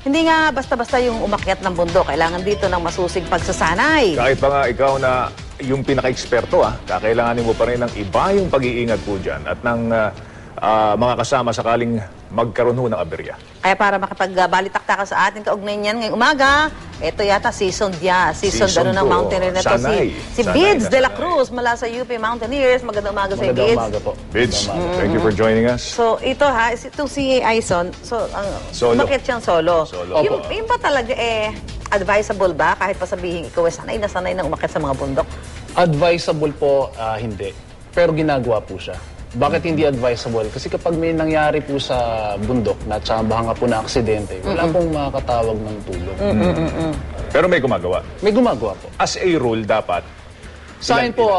Hindi nga basta-basta yung umakyat ng bundok. Kailangan dito ng masusig pagsasanay. Kahit pa nga ikaw na yung pinaka-eksperto, kakailanganin mo pa rin ng iba yung pag-iingat po dyan at ng mga kasama sakaling magkaroon ho ng aberya. Kaya para makipagbalitaktakan sa atin kaugnay niyan ngayong umaga, ito yata season ng Mountaineer na to. Si Bids de la Cruz mula sa UP Mountaineers. Magandang umaga sa Bids. Magandang umaga po. Bids, thank you for joining us. So ito itong si Aison, umakyat siyang solo. Yung ba talaga advisable ba kahit pa sabihin ikaw sanay na umakyat sa mga bundok? Advisable po, hindi. Pero ginagawa po siya. Bakit hindi advisable? Kasi kapag may nangyari po sa bundok na tsambahan nga po na aksidente, wala pong makakatawag ng tulong. Pero may gumagawa. May gumagawa po. As a rule, dapat? Sa akin po,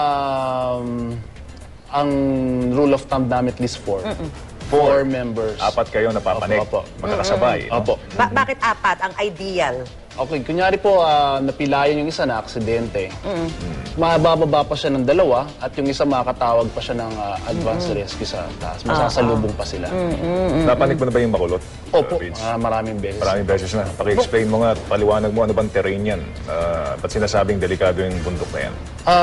ang rule of thumb namin at least 4. 4 members. 4 kayo napapanik. Opo. Magkakasabay. Opo. Bakit 4 ang ideal? Okay, kunyari po, napilayan yung isa na aksidente. Mabababa pa siya ng 2 at yung isa makakatawag pa siya ng advance rescue sa taas. Masasalubong pa sila. Napanik mo na ba yung makulot? Opo, maraming beses. Maraming beses na. Paki-explain mo nga, paliwanag mo ano bang terrain yan. Ba't sinasabing delikado yung bundok na yan?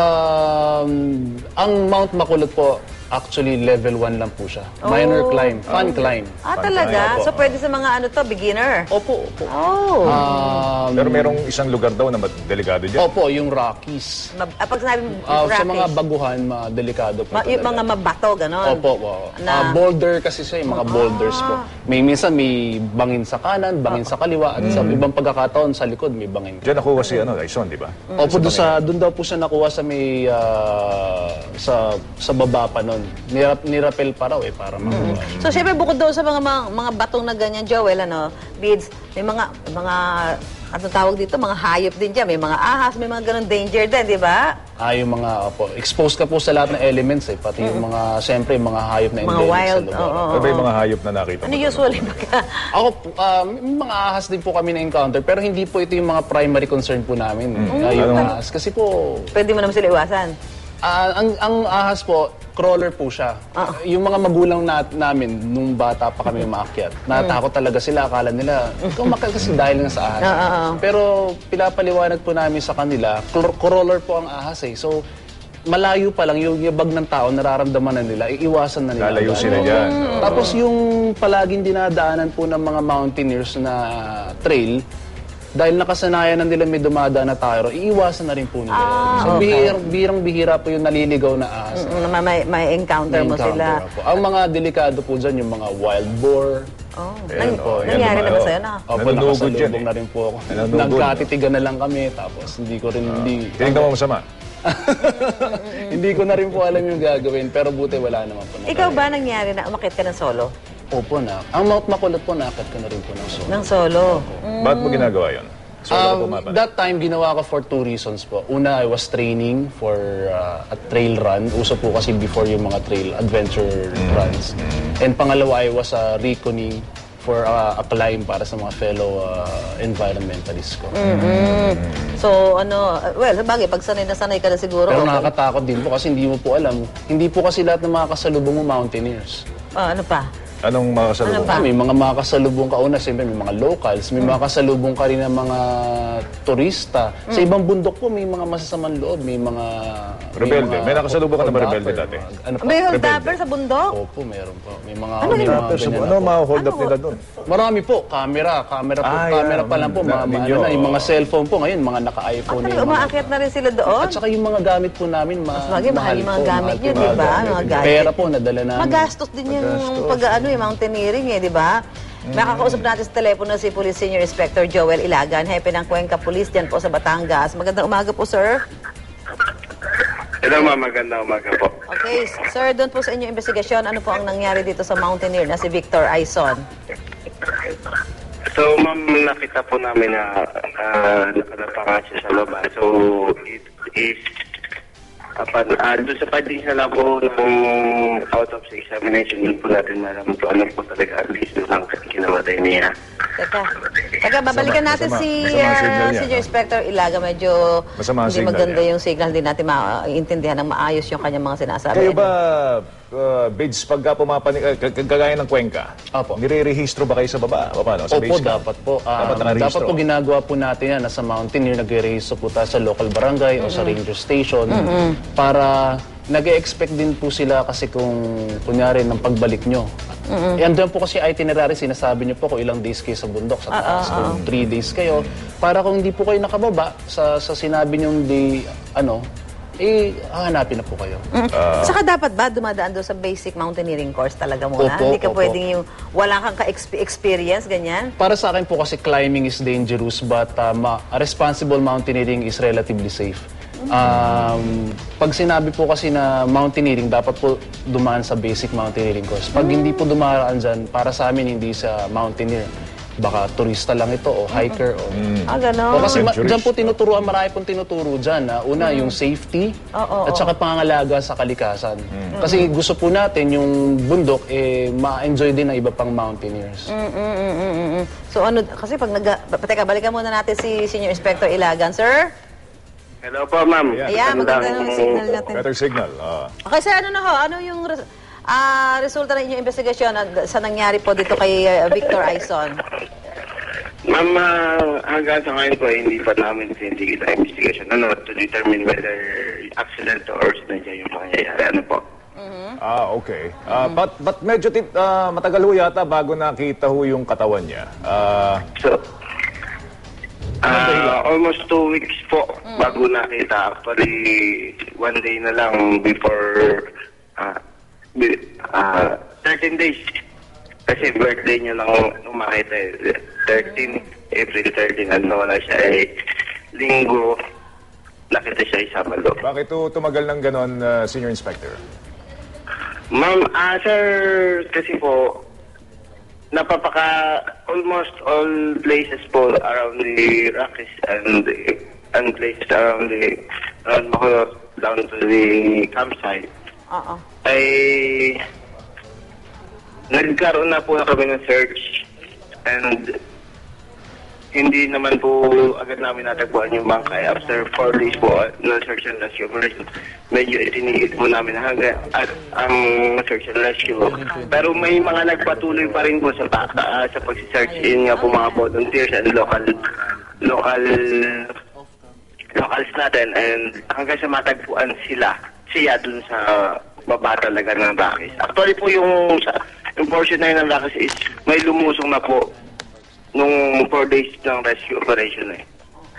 Ang Mount Makulot po, actually level 1 lang po siya. Minor climb, fun climb. Talaga? So pwede sa mga beginner? Opo. Pero merong isang lugar daw na delikado dyan. Opo, yung Rockies. Pag sinabing Sa Rockies, mga baguhan, delikado po yung mga mabato, gano'n? Opo. Boulder kasi siya, yung mga boulders po. Minsan may bangin sa kanan, bangin sa kaliwa, at sa ibang pagkakataon sa likod may bangin. Diyan nakuha si Aison, di ba? Opo, doon daw po siya nakuha sa may sa baba pa nun. Nirapel pa raw para makuha. So, syempre, bukod doon sa mga batong na ganyan, Joel, Bids, may mga anong tawag dito, mga hayop din dyan. May mga ahas, may mga ganun danger din, di ba? Yung mga, exposed ka po sa lahat ng elements pati yung mga, siyempre, mga hayop na endemic wild, sa lugar. Ano ba yung mga hayop na nakita mo? Ano usually baka? Ako, may mga ahas din po kami na-encounter, pero hindi po ito yung mga primary concern po namin. Yung ahas. Kasi po... Pwede mo naman sila iwasan? Ang ahas po, crawler po siya. Yung mga magulang namin, nung bata pa kami umaakyat, natakot talaga sila. Akala nila, umakyat kasi dahil nga sa ahas. Pero pinapaliwanag po namin sa kanila, crawler po ang ahas So, malayo pa lang yung yabag ng tao, nararamdaman na nila, iiwasan na nila. Lalayo sila dyan. Tapos yung palaging dinadaanan po ng mga mountaineers na trail, dahil nakasanayan na nila may dumadaan na tayro, iiwasan na rin po nila. So, bihirang-bihira po yung naliligaw na ahas. May encounter mo sila. Po. Ang mga delikado po dyan, yung mga wild boar. Nangyari na ba sa'yo na? Opo, nakasalubong na rin po ako. Nagkatitigan na lang kami, tapos hindi ko rin, Tinignan mo masama? Hindi ko na rin po alam yung gagawin, pero buti wala naman po. Ikaw ba nangyari na umakyat ka ng solo? Opo na. Ang Mount Makulot po, nakakit ko na rin po ng solo. Ng solo? Bakit mo ginagawa yun? That time, ginawa ko for 2 reasons po. Una, I was training for a trail run. Uso po kasi before yung mga trail adventure runs. And pangalawa, I was reckoning for a climb para sa mga fellow environmentalists ko. So, bagay, pag sanay na sanay ka na siguro. Pero nakakatakot din po kasi hindi mo po alam. Hindi po kasi lahat ng mga kasalubong mo mountaineers. Ano pa? Anong mga kasalubong? May mga makasalubong ka una, siyempre may mga locals, may mga kasalubong ka rin ng mga turista. Sa ibang bundok po, may mga masasamang loob, may mga... Rebelde. May nakasalubong ka na ba rebelde dati? May hold-upper sa bundok? Opo, meron po. May mga... Ano mga hold up nila doon? Marami po. Camera pa lang po. Yung mga cellphone po ngayon, mga naka-iPhone. Umaakyat na rin sila doon? At saka yung mga gamit po namin, mahal yung mga gamit nyo, di ba? Pera po, nadala namin. Magastos din yung yung mountaineering di ba? Makakausap natin sa telepono si Police Senior Inspector Joel Ilagan, hepe ng Cuenca Police dyan po sa Batangas. Magandang umaga po, sir. Hello, ma'am. Magandang umaga po. Okay, sir, doon po sa inyong investigasyon, ano po ang nangyari dito sa mountaineer na si Victor Aison? So, ma'am, nakita po namin na nakalapa siya sa loob. So, doon sa findings na lang po ng out of examination, hindi po natin malaman po ano po talaga ang reason ng kinamatay niya. Teka, babalikan natin si Senior Inspector Ilaga. Medyo hindi maganda yung signal. Hindi natin maintindihan ng maayos yung kanyang mga sinasabi. Kayo ba bids pagka kagaya ng Cuenca, Opo. nire-rehistro ba kayo sa baba? Paano? Sa Opo, base camp? dapat po. Dapat nakarehistro. Dapat po ginagawa po natin yan. Nasa Mountaineer, nagre-rehistro po tayo sa local barangay o sa ranger station para nag-e-expect din po sila kasi kung kunyari ng pagbalik nyo. Andun po kasi itinerary, sinasabi nyo po kung ilang days kayo sa bundok, sa taas, kung 3 days kayo. Para kung hindi po kayo nakababa sa sinabi nyong day, hahanapin na po kayo. Saka dapat ba dumadaan doon sa basic mountaineering course talaga muna? Opo, Hindi ka opo. pwedeng yung wala kang experience ganyan? Para sa akin po kasi climbing is dangerous but responsible mountaineering is relatively safe. Pag sinabi po kasi na mountaineering, dapat po dumaan sa basic mountaineering course. Pag hindi po dumaan dyan, para sa amin hindi sa mountaineer. Baka turista lang ito o hiker. Gano'n. O kasi Adventurous. dyan po tinuturuan, marami pong tinuturo dyan. Una, yung safety at saka pangangalaga sa kalikasan. Kasi gusto po natin yung bundok, ma-enjoy din ng iba pang mountaineers. So ano, kasi pag teka, balikan muna natin si Senior Inspector Ilagan. Sir? Hello po, ma'am. Ayan, maganda yung signal natin. Better signal. Okay, sir, ano na ho? Ano yung resulta ng inyong investigasyon sa nangyari po dito kay Victor Aison? Ma'am, hanggang sa ngayon po, hindi pa namin sinigit ang investigation to determine whether accident or sinadya yung mangyayari. Ano po? Okay. But medyo matagal ho yata bago nakita ho yung katawan niya. So, almost 2 weeks po bago nakita. Actually, 1 day na lang before 13 days. Kasi birthday niya lang umakita eh. 13, April 13, wala siya linggo. Nakita siya Sabado. Bakit ho tumagal ng ganon, Senior Inspector? Ma'am, sir, kasi po, almost all places po around the Rockies and places around Bacolod down to the campsite. Ay nagkaroon na po kami ng search and hindi naman po agad namin natagpuan yung bangkay. After 4 days po na search and rescue operation, medyo itinigil po namin hanggang ang search and rescue. Pero may mga nagpatuloy pa rin po sa pag-search. Yun nga po mga volunteers and locals natin, and hanggang sa matagpuan siya dun sa baba talaga ng Rockies. Actually po yung portion na yun ng Rockies is may lumusong na po nung 4 days ng rescue operation eh.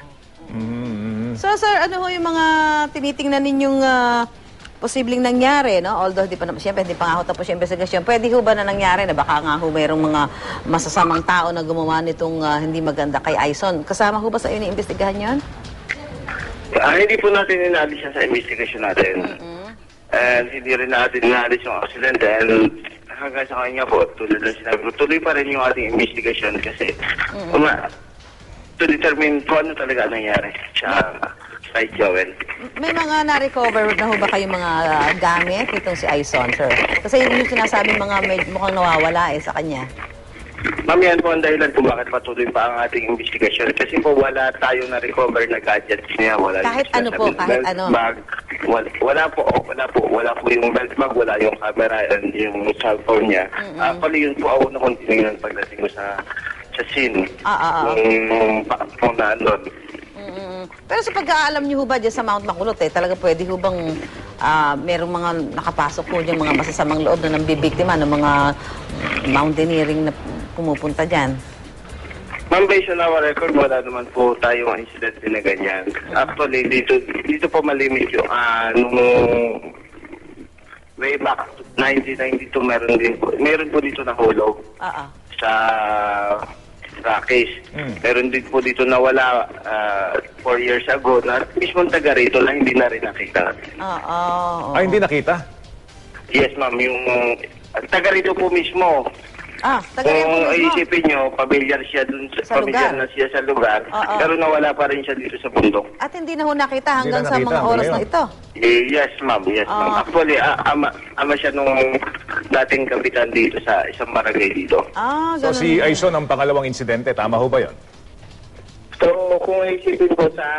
So sir, ano ho yung mga tinitingnan ninyong posibleng nangyari, no? Although siyempre hindi pa nga ho tapos yung investigasyon. Pwede ho ba na nangyari na baka nga ho mayroong mga masasamang tao na gumawa nitong hindi maganda kay Aison? Kasama ho ba sa inyo iimbestigahan yun? Hindi po natin inalis siya sa investigation natin. And hindi rin natin inalis yung accident. And hanggang sa kanya po, tulad ng sinabi ko, tuloy pa rin yung ating investigation kasi to determine kung ano talaga nangyari sa kay Joel. May mga na-recover na ho ba kayong mga gamit itong si Aison, sir? Kasi yun yung sinasabi mga mukhang nawawala sa kanya. Ma'am, yan po ang dahilan kung bakit patuloy pa ang ating investigation. Kasi po wala tayong na-recover na gadgets niya. Wala Kahit ano po, kahit ano. Bag. Wala po yung belt bag, wala yung camera and yung cellphone niya. Actually, yun po ako na continue pagdating ko sa scene. Kung naandun. Pero sa pagkaalam niyo ho ba dyan sa Mount Makulot, talaga pwede ho bang merong mga nakapasok po dyan, mga masasamang loob na nambibiktima ng mga mountaineering na pumupunta dyan? Ma'am, based on our record, wala naman po tayong incident na ganyan. Actually, dito po malimit yung nung way back 1992, meron po dito na hulog sa Rockies. Meron din po dito na wala 4 years ago na mismong taga rito lang hindi na rin nakita. Hindi nakita? Yes, ma'am. Yung taga rito po mismo. Taga rito Kung mismo? isipin nyo, pamilyar siya dun Sa pamilyar lugar. na siya sa lugar, pero nawala pa rin siya dito sa bundok. At hindi na ho nakita hanggang Hindi na sa nakita mga oras ngayon. na ito? Yes, ma'am. Yes, ma'am. Actually, ama siya nung dating kapitan dito sa isang barangay dito. So Ganun. si Aison ang pangalawang insidente, tama ho ba yun? So, kung isipin ko sa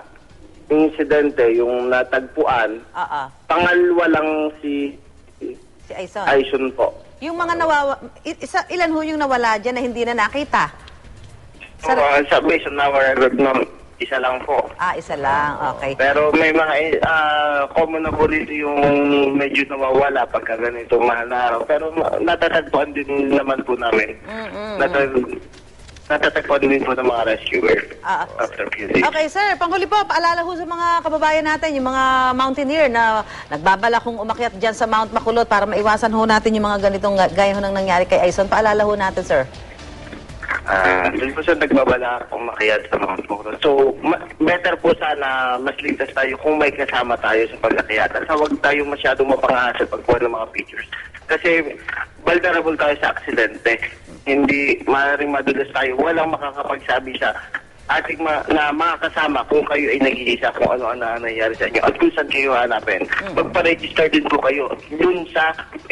insidente, yung natagpuan, pangalawa lang si Si Aison. Aison po. Yung mga ilan ho yung nawala dyan na hindi na nakita? So, based on our record, no, isa lang po. Isa lang. Okay. Pero may mga common na po dito yung medyo nawawala pagka ganito mahal na araw. Pero natatagpuan din naman po namin. Natatagpuan din po ng mga rescuer after few days. Okay, sir. Panghuli po, paalala ho sa mga kababayan natin, yung mga mountaineer na nagbabala kung umakyat dyan sa Mount Makulot para maiwasan ho natin yung mga ganitong gaya ho nang nangyari kay Aison. Paalala ho natin, sir. Doon po siya nagbabala kung makiyat sa Mount Makulot. So, better po sana mas ligtas tayo kung may kasama tayo sa pagkakiyatan. Huwag tayo masyadong mapangahasa pagkuha ng mga pictures. Kasi vulnerable tayo sa aksidente. Hindi maaaring madulas tayo. Walang makakapagsabi sa ating na mga kasama kung kayo ay nag-iisa kung ano ang nangyayari sa inyo at kung saan kayo hanapin. Magpa-register din po kayo dun sa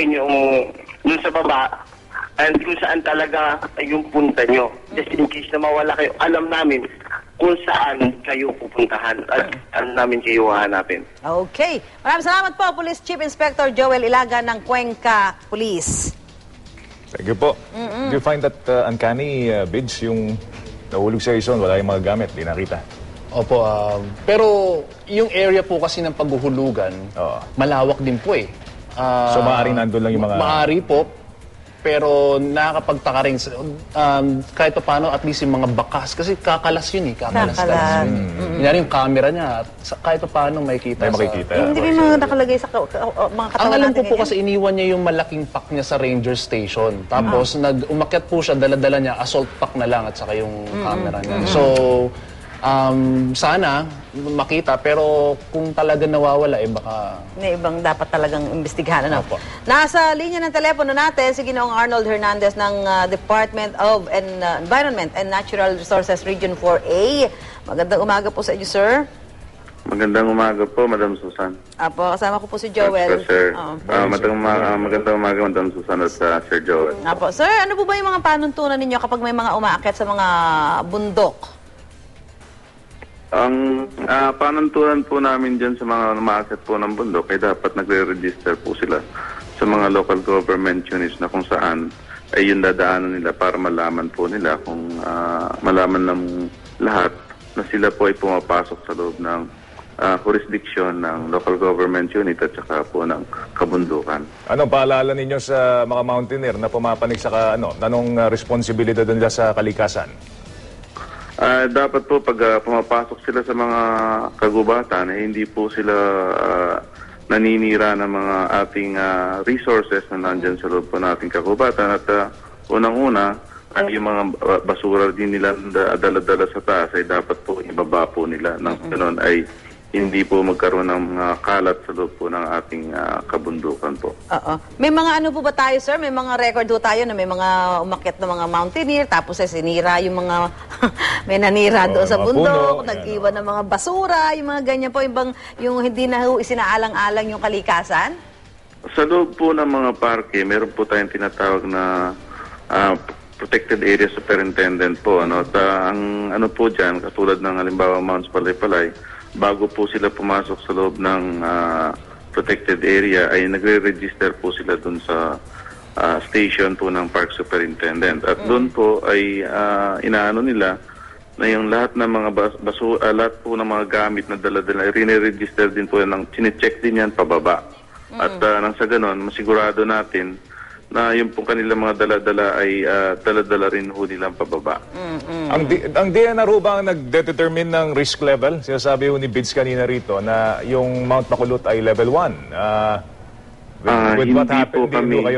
baba and kung saan talaga yung punta nyo. Just in case na mawala kayo, alam namin kung saan kayo pupuntahan at saan namin kayo hanapin. Okay. Maraming salamat po, Police Chief Inspector Joel Ilaga ng Cuenca Police. Thank you po. Do you find that uncanny, Bids, yung nahulog sa Aison, wala yung mga gamit, di nakita? Opo, pero yung area po kasi ng paghuhulugan, malawak din po eh. So maaaring nandun lang yung mga... Maaari po, pero nakakapagtaka rin, kahit pa paano, at least yung mga bakas, kasi kakalas yun eh, kakalas. Kunyari yung camera niya, kahit pa paano makikita. Hindi may mga nakalagay sa mga katawan natin. Ang alam ko po kasi iniwan niya yung malaking pack niya sa ranger station. Tapos umakyat po siya, dala-dala niya, assault pack na lang at saka yung camera niya. So, sana makita, pero kung talaga nawawala, baka... May ibang dapat talagang imbestigahan. Nasa linya ng telepono natin si Ginoong Arnold Hernandez ng Department of Environment and Natural Resources Region 4A. Magandang umaga po sa inyo, sir. Magandang umaga po, Madam Susan. Apo, kasama ko po si Joel. Sir. Magandang umaga, Madam Susan at Sir Joel. Apo, sir, ano po ba yung mga panuntunan ninyo kapag may mga umaakyat sa mga bundok? Ang panuntunan po namin dyan sa mga umaakit po ng bundok ay dapat nagre-register po sila sa mga local government units na kung saan ay yung dadaanan nila para malaman po nila kung malaman ng lahat na sila po ay pumapasok sa loob ng jurisdiction ng local government unit at saka po ng kabundukan. Ano paalala ninyo sa mga mountaineer na pumapanig sa anong responsibilidad nila sa kalikasan? Dapat po pag pumapasok sila sa mga kagubatan, hindi po sila naninira ng mga ating resources na nandyan sa loob po nating kagubatan. At unang-una, yung mga basura din nila dala-dala sa taas ay dapat po ibaba po nila. Nang ganoon ay hindi po magkaroon ng mga kalat sa loob po ng ating kabundukan po. May mga ano po ba tayo, sir? May mga record po tayo na may mga umakyat na mga mountaineer, tapos sinira yung mga, may nanira doon sa bundok, nag-iwan ng mga basura, yung mga ganyan po, yung hindi na isinaalang-alang yung kalikasan? Sa loob po ng mga parke, meron po tayong tinatawag na Protected Area Superintendent po. At ang ano po dyan, katulad ng halimbawa Mounts Palay-Palay, bago po sila pumasok sa loob ng protected area ay nagre-register po sila dun sa station po ng Park Superintendent. At doon po ay inaano nila na yung lahat ng mga lahat po ng mga gamit na dala-dala, rine-register din po yan, chine-check din yan pababa. At nang sa ganon, masigurado natin na yung pong kanilang mga dala-dala ay dala-dala rin ho nilang pababa. Ang DNR ho ba ang nagdetermine ng risk level? Sinasabi ho ni Bids kanina rito na yung Mount Makulot ay level 1. With what happened,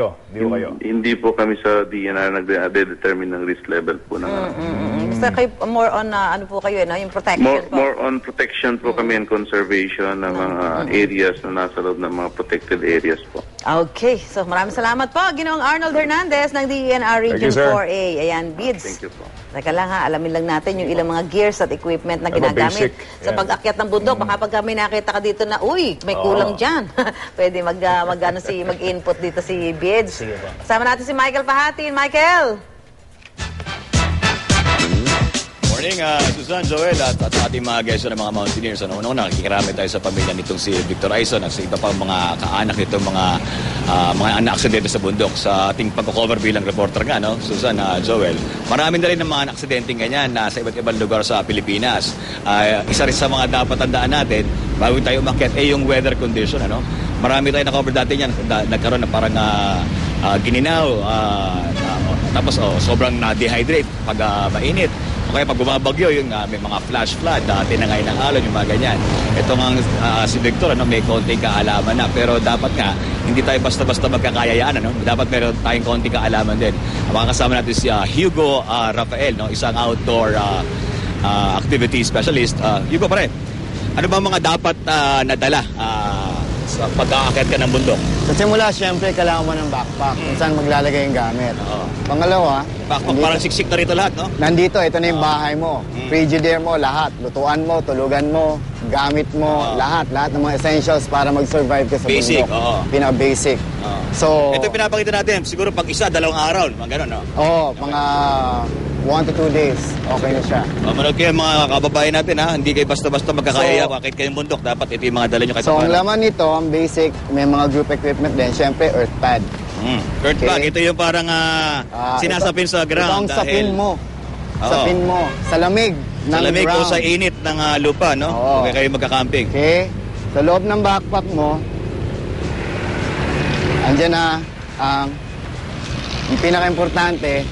hindi po kami sa DNR nagde-determine ng risk level po ng Basta kayo, more on, ano po kayo, yung protection po? More on protection po kami and conservation ng mga areas na nasa loob ng mga protected areas po. Okay. So, maraming salamat po. Ginoong Arnold Hernandez ng DENR Region 4A. Ayan, Bids. Thank you po. Teka lang alamin lang natin yung ilang mga gears at equipment na ginagamit sa pag-akyat ng bundok. Baka pag kami nakita ka dito na, uy, may kulang dyan. Pwede mag-input dito si Bids. Kasama natin si Michael Pahatin. Michael! morning, Susan, Joel, at ating mga guests ng mga Mountaineers. Una-una, nakikirami tayo sa pamilya nitong si Victor Aison at sa iba pang mga kaanak nitong mga na-aksidente sa bundok. Sa ating pagko-cover bilang reporter nga, no? Susan, Joel, marami na rin ng mga aksidenteng ganyan na sa iba't ibang lugar sa Pilipinas. Isa rin sa mga dapat tandaan natin, bago tayo umakyat, yung weather condition, ano? Marami tayo na-cover dati yan, nagkaroon na parang gininaw, tapos sobrang na-dehydrate pag mainit. O kaya pag bumabagyo, yung may mga flash flood, tinangay ng alon, yung mga ganyan. Ito nga si Victor, may konting kaalaman na. Pero dapat nga, hindi tayo basta-basta magkakayayaan. Dapat meron tayong konting kaalaman din. Makakasama natin si Hugo Rafael, isang outdoor activity specialist. Hugo, pare, ano ba mga dapat nadala sa pag-aakyat ka ng bundok? Sa simula, syempre, kailangan mo ng backpack kung saan maglalagay yung gamit. Pangalawa, Backpack, parang siksik na rito lahat, no? nandito, ito na yung bahay mo. Frigidaire mo, lahat. Lutuan mo, tulugan mo, gamit mo, lahat. Lahat ng mga essentials para mag-survive ka sa Basic, bundok. Pinaka-basic. So, Ito yung pinapakita natin. Siguro pag isa, 2 araw. Mga ganun, no? mga 1 to 2 days, okay na siya. Manood kayo mga kababayan natin, ha? Hindi kayo basta-basta magkakayaya kahit kayong bundok. Dapat ito yung mga dala nyo kahit So, ang paano. laman nito, ang basic, may mga group equipment din. Syempre, earth pad. Earth bag, ito yung parang sinasapin sa ground. Ito ang sapin mo. Oo. Sapin mo. Sa lamig ng Sa lamig o ground. sa init ng lupa, no? Oo. Okay kayo magka-camping. Okay? Sa loob ng backpack mo, andyan na ang pinaka-importante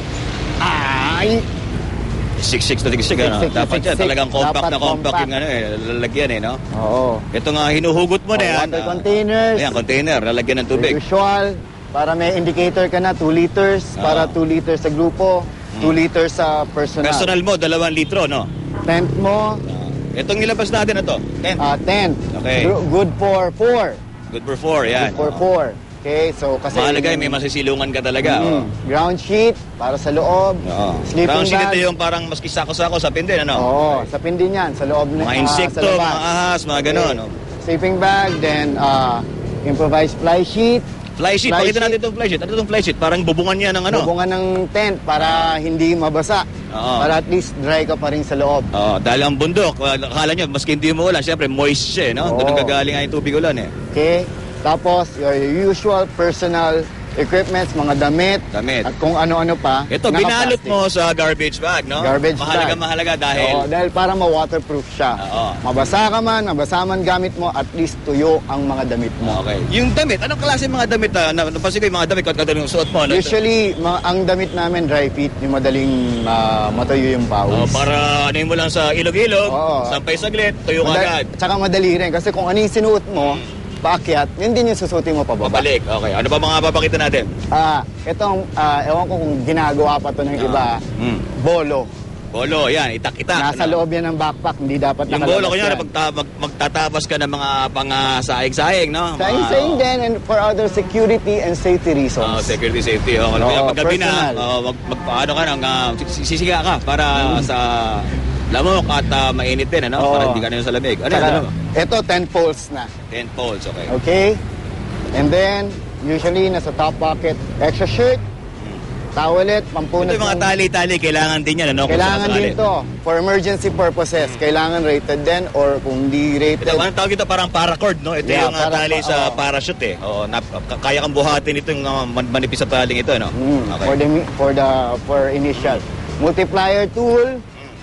ay Siksik na siksik, ano? Siksik na Dapat yan, siksik. talagang compact Dapat na compact compact. yung lalagyan, no? oo. Ito nga, hinuhugot mo na yan. Water containers. Ayan, container, lalagyan ng tubig. Usual, para may indicator ka na, 2 liters. Para 2 liters sa grupo, 2 liters sa personal. Personal mo, 2 litro, no? Tent mo, Itong nilabas natin na to. tent. Okay. Good for 4. Good for 4, yan. Good for 4. Okay, so kasi... Mahalaga, may masisilungan ka talaga. Ground sheet, para sa loob. Oo. Sleeping Ground sheet bag. ito yung parang maski sako-sako sa pindin, ano? Oo, sa pindin yan, sa loob Mga sa insekto, labas. mga ahas, mga gano'n, no? Sleeping bag, then improvised fly sheet. Fly sheet, Fly pakita natin itong fly sheet. Ano itong fly sheet? Parang bubungan niya ng ano? Bubungan ng tent para hindi mabasa. Oo. Para at least dry ka pa rin sa loob. Dahil ang bundok, akala nyo, maski hindi mo ulan, syempre moist siya, no? Oo. Doon gagaling nga yung tubig ulan, eh. Okay? Tapos, your usual personal equipments, mga damit. Damit. At kung ano-ano pa. Ito, binalot mo sa garbage bag, no? Garbage bag. Mahalaga dahil... Oo, dahil para ma-waterproof siya. Oo. Mabasa ka man, mabasa man gamit mo, at least tuyo ang mga damit mo. Okay. Yung damit, anong klase mga damit napansin ko yung mga damit yung suot mo? Ano? Usually, ang damit namin dry fit, yung madaling matuyo yung pawis. Para ano mo lang sa ilog-ilog, Oo. sampay saglit, tuyo ka agad. Tsaka madali rin, kasi kung ano yung sinuot mo, paakyat, yun din yung susutin mo pababa. Pabalik, okay. Ano pa mga papakita natin? Itong, ewan ko kung ginagawa pa to ng iba, bolo. Bolo, yan, itak-itak. Nasa ano? loob yan ng backpack, hindi dapat Yung nakalabas bolo, kunyari, yan. magtatabas ka ng mga pang-saing-saing, no? Saing-saing din, and for other security and safety reasons. Security, safety. Kaya Oo, paggabi na, personal. paano ka nang sisiga ka para sa lamok at mainit din, ano? Oo. Para hindi ka na sa lamig. Ano Tsaka, yan? ito, 10 poles na. 10 poles, okay. Okay? And then, usually, nasa top pocket, extra shirt, towelette, pampunat. Ito yung mga tali-tali, kailangan din yan, ano? Kung Kailangan sakasakali. din to for emergency purposes. Kailangan rated din or kung di rated. Ito, anong tawag ito? Parang paracord, no? Ito Yeah, yung tali sa oo. parachute, eh. Oo, kaya kang buhatin ito yung manipis sa taling ito, no? Okay. For initial. Multiplier tool.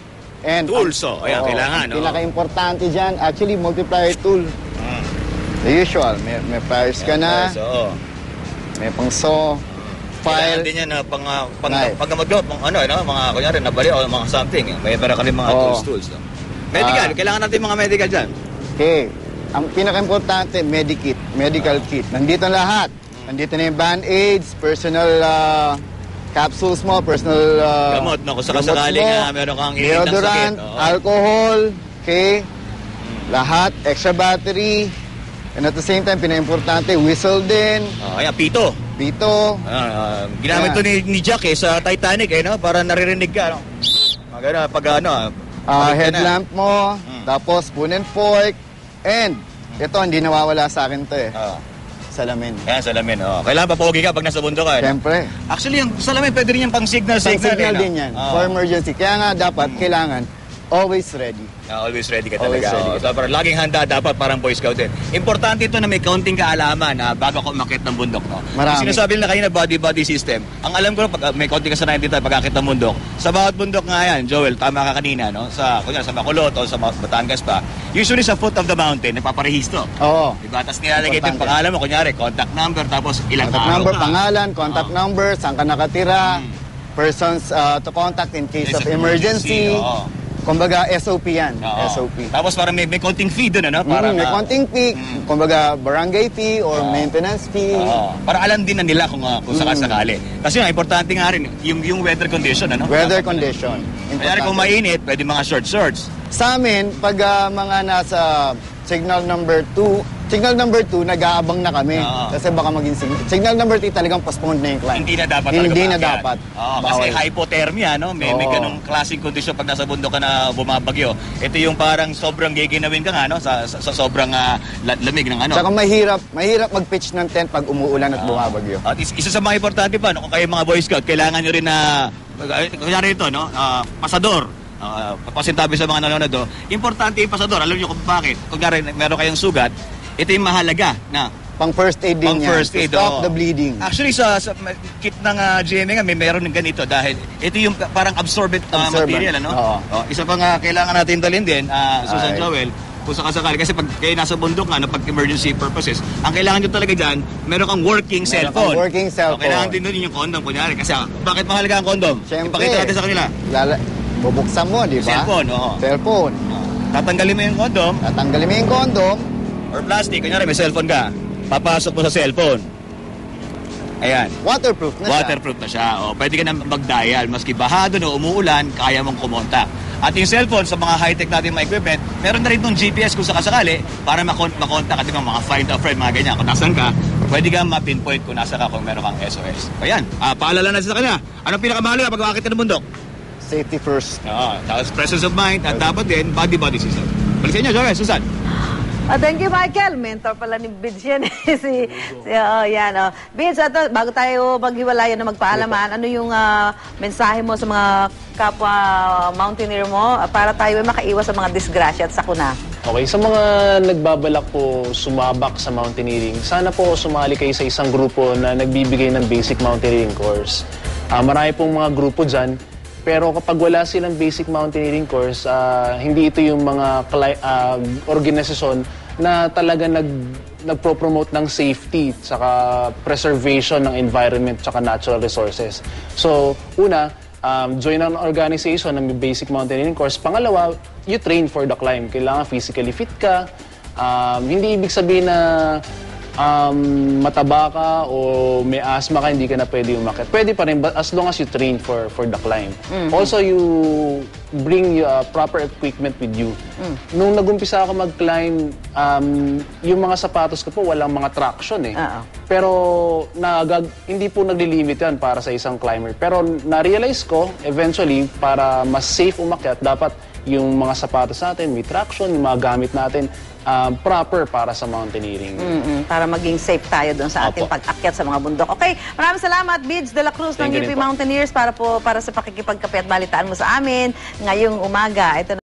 And Tools, ayan, kailangan, Ang pinaka-importante dyan, actually, multiplier tool. The usual. May pliers ka na, Oo. may pang saw, Kailangan file. din yan na Knife. pag magawa, mga kunyari, nabali o mga something. May para kami mga Oo. tools. No? Medical, kailangan natin mga medical dyan. Okay. Ang pinaka-importante, medical kit. Nandito lahat. Nandito na yung band-aids, personal capsules mo, personal Gamot, no? Kung gamot sakasakali mo, nga, meron kang init ng deodorant, sakit. Oo. alcohol, okay? Lahat, extra battery. And at the same time, pinaka-importante, whistle din, Ayan, pito. pito. Ginamit to ni Jack sa Titanic, no? Para naririnig ka, no? Maganda, pag balik ka na. Headlamp mo, tapos spoon and fork, and ito, hindi nawawala sa akin to eh. salamin. Yan, salamin. Oh. Kailangan pa pogi ka pag nasa bundok ka. Siyempre. Actually, yung salamin pwede rin yung pang signal. Pang-signal din yan. For emergency. Kaya nga dapat, kailangan, always ready. Always ready ka Always talaga. ready Oh. So, parang laging handa dapat parang Boy Scout din. Importante ito na may kaunting kaalaman bago ako umakyat ng bundok. No? Marami. Yung sinasabi nila kanina, body system. Ang alam ko, pag may kaunting kasanayan dito pag-akit ng bundok, sa bawat bundok nga yan, Joel, tama ka kanina, no? Kunyari, sa Bacolod o sa Batangas pa, usually sa foot of the mountain, nagpaparehisto. Oo. Diba? Tapos nilalagay din pangalan mo, kunyari, contact number, tapos ilang Contact araw number, ka. pangalan, contact number, saan ka nakatira, persons to contact in case of emergency. Oo. Kumbaga, SOP yan. Oo. SOP. Tapos parang may konting fee doon, ano? Para May konting fee, kumbaga barangay fee or maintenance fee. Para alam din na nila kung sakasakali. Kasi nga, importante nga rin, yung weather condition, ano? Weather condition. Kaya kung mainit, pwede mga shorts. Sa amin, pag mga nasa signal number 2, nag-aabang na kami. Oo. Kasi baka maging signal number 3 talagang postponed na yung climb. Hindi na dapat. Hindi na umakyat. dapat. Oo, kasi Bawal. hypothermia, no? May ganung klaseng kondisyon pag nasa bundok ka na bumabagyo. Ito yung parang sobrang giginawin ka nga, no? Sa sobrang lamig ng ano. Tsaka mahirap mag-pitch ng tent pag umuulan at bumabagyo. At isa sa mga importante pa, no? Kung kayo mga Boy Scout, kailangan nyo rin na, kunyari ito, no? Pasador. Pasintabi sa mga nanonood, no? Importante yung pasador. Alam nyo kung bakit. Kung meron kayong sugat, ito yung mahalaga na Pang first aid din yan. first aid, to stop oo. the bleeding. Actually, sa kit ng GMA nga, meron ng ganito dahil ito yung parang absorbent material, ano? Oo. Isa pa nga kailangan natin dalhin din, Susan Ay. Joel, kung sakasakali. Kasi pag kayo nasa bundok nga, pag emergency purposes, ang kailangan nyo talaga dyan, meron kang working cellphone. working cellphone. Kailangan din doon yung condom, kunyari. Kasi bakit mahalaga ang condom? Siyempre. Ipakita natin sa kanila. Bubuksan mo, di ba? Cellphone, oo. Cellphone. Tatanggalin mo yung condom Tatanggalin mo yung condom. or plastic. Kunyari, may cellphone ka. Papasok mo sa cellphone. Ayan. Waterproof na siya. Waterproof na siya. O, pwede ka na mag-dial. Maski bahado na umuulan, kaya mong kumontak. At yung cellphone, sa mga high-tech natin mga equipment, meron na rin itong GPS kung sakasakali para makontak. At mga find a friend, mga ganyan. Kung nasan ka, pwede ka ma-pinpoint kung nasa ka kung meron kang SOS. Ayan. Paalala na sa kanya. Anong pinakamahalaga pag makakita ng bundok? Safety first. Tapos presence of mind at dapat din body system. Balik sa inyo, Joel, Susan. Thank you, Michael. Mentor pala ni Bids yan. Yan. Bids, bago tayo maghiwalayan na magpaalaman, ano yung mensahe mo sa mga kapwa mountaineer mo para tayo ay makaiwas sa mga disgrasya at sakuna? Okay, sa mga nagbabalak po sumabak sa mountaineering, sana po sumali kayo sa isang grupo na nagbibigay ng basic mountaineering course. Marami pong mga grupo dyan, pero kapag wala silang basic mountaineering course, hindi ito yung mga organisasyon na talaga nagpo-promote ng safety saka preservation ng environment saka natural resources. So, una, join an organization na may basic mountaineering course. Pangalawa, you train for the climb. Kailangan physically fit ka. Hindi ibig sabihin na mataba ka o may asthma ka, hindi ka na pwede umakyat. Pwede pa rin, but as long as you train for the climb. Also, you bring proper equipment with you. Nung nagumpisa ako mag-climb, yung mga sapatos ko po, walang mga traction eh. Pero hindi po naglilimit yan para sa isang climber. Pero na-realize ko, eventually, para mas safe umakyat, dapat yung mga sapatos natin, may traction, yung mga gamit natin, proper para sa mountaineering. Para maging safe tayo doon sa ating pag-akyat sa mga bundok. Okay, maraming salamat, Bids de la Cruz ng UP Mountaineers para sa pakikipagkape at balitaan mo sa amin ngayong umaga. Ito